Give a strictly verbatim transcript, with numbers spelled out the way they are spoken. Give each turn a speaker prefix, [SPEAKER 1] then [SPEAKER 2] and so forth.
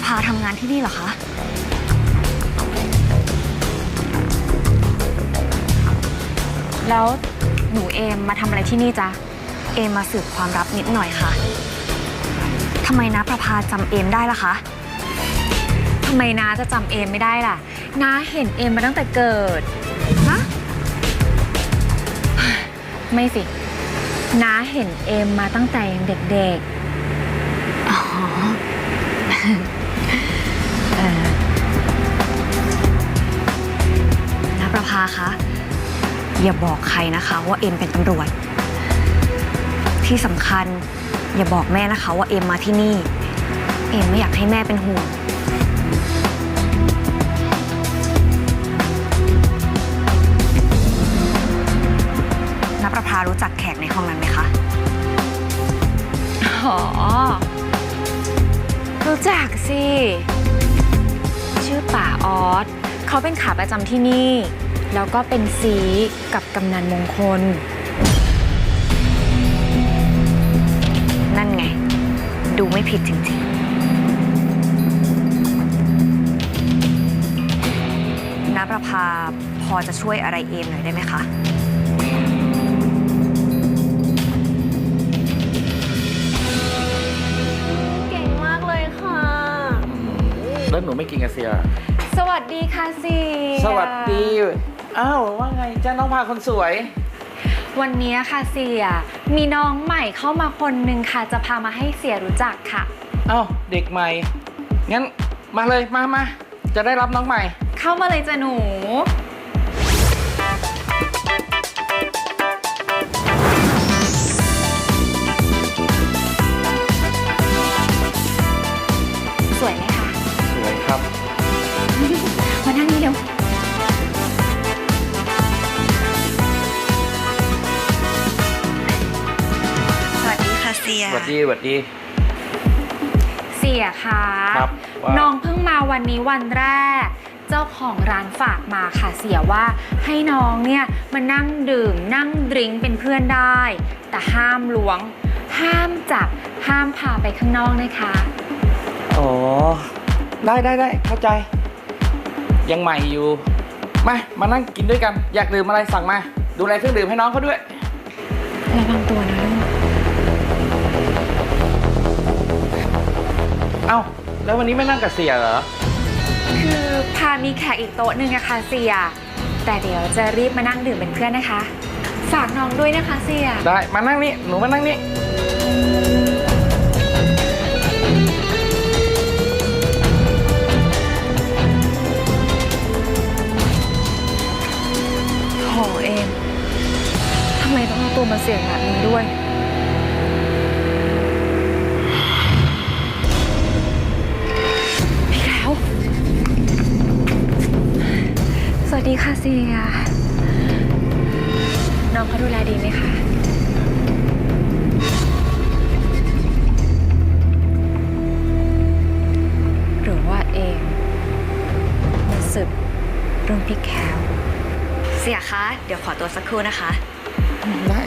[SPEAKER 1] ภาทำงานที่นี่เหรอคะแล้วหนูเอมมาทำอะไรที่นี่จ๊ะเอมมาสืบความลับนิดหน่อยค่ะทำไมน้าประภาจำเอมได้ล่ะคะทำไมน้าจะจำเอมไม่ได้ล่ะน้าเห็นเอมมาตั้งแต่เกิดฮะไม่สิน้าเห็นเอมมาตั้งแต่ยังเด็กๆอ๋อเออน้าประภาคะอย่าบอกใครนะคะว่าเอมเป็นตำรวจที่สำคัญอย่าบอกแม่นะคะว่าเอมมาที่นี่เอมไม่อยากให้แม่เป็นห่วงณประภารู้จักแขกในห้องนั้นไหมคะอ๋อรู้จักสิชื่อป่าออสเขาเป็นขาประจำที่นี่แล้วก็เป็นซีกับกำนันมงคลนั่นไงดูไม่ผิดจริงๆณประภาพอจะช่วยอะไรเอมหน่อยได้ไหมคะเก่งมากเลยค่ะ
[SPEAKER 2] แล้วหนูไม่กินกระเซีย
[SPEAKER 1] สวัสดีค่ะซี
[SPEAKER 2] สวัสดีอ้าวว่าไงจ้าน้องพาคนสวย
[SPEAKER 1] วันนี้ค่ะเสียมีน้องใหม่เข้ามาคนหนึ่งค่ะจะพามาให้เสียรู้จักค่ะ
[SPEAKER 2] อ้าวเด็กใหม่งั้นมาเลยมามาจะได้รับน้องใหม่
[SPEAKER 1] เข้ามาเลยจ้ะหนูสวยไหมคะ
[SPEAKER 2] สวยครับ
[SPEAKER 1] มานั่งนี่เร็วเสีย
[SPEAKER 2] สวัสดีสวัสดี
[SPEAKER 1] เสียคะ
[SPEAKER 2] ครับ
[SPEAKER 1] น้องเพิ่งมาวันนี้วันแรกเจ้าของร้านฝากมาค่ะเสียว่าให้น้องเนี่ยมานั่งดื่มนั่งดริงก์เป็นเพื่อนได้แต่ห้ามล้วงห้ามจับห้ามพาไปข้างนอกนะคะ
[SPEAKER 2] อ๋อได้ได้ได้เข้าใจยังใหม่อยู่มามานั่งกินด้วยกันอยากดื่มอะไรสั่งมาดูแลเครื่องดื่มให้น้องเขาด้วย
[SPEAKER 1] ระวังตัวนะลูก
[SPEAKER 2] เอ้าแล้ววันนี้ไม่นั่งกับเสียเหรอ
[SPEAKER 1] คือพามีแขกอีกโต๊ะหนึ่งอะค่ะเสียแต่เดี๋ยวจะรีบมานั่งดื่มเป็นเพื่อนนะคะฝากน้องด้วยนะคะเสีย
[SPEAKER 2] ได้มานั่งนี่หนูมานั่งนี่
[SPEAKER 1] โหเอมทำไมต้องเอาตัวมาเสี่ยงแบบนี้ด้วยสวัสดีค่ะเสียน้องเขาดูแลดีไหมคะหรือว่าเองมาสืบเรื่องพี่แคลเสียคะเดี๋ยวขอตัวสักครู่นะคะ
[SPEAKER 2] ได้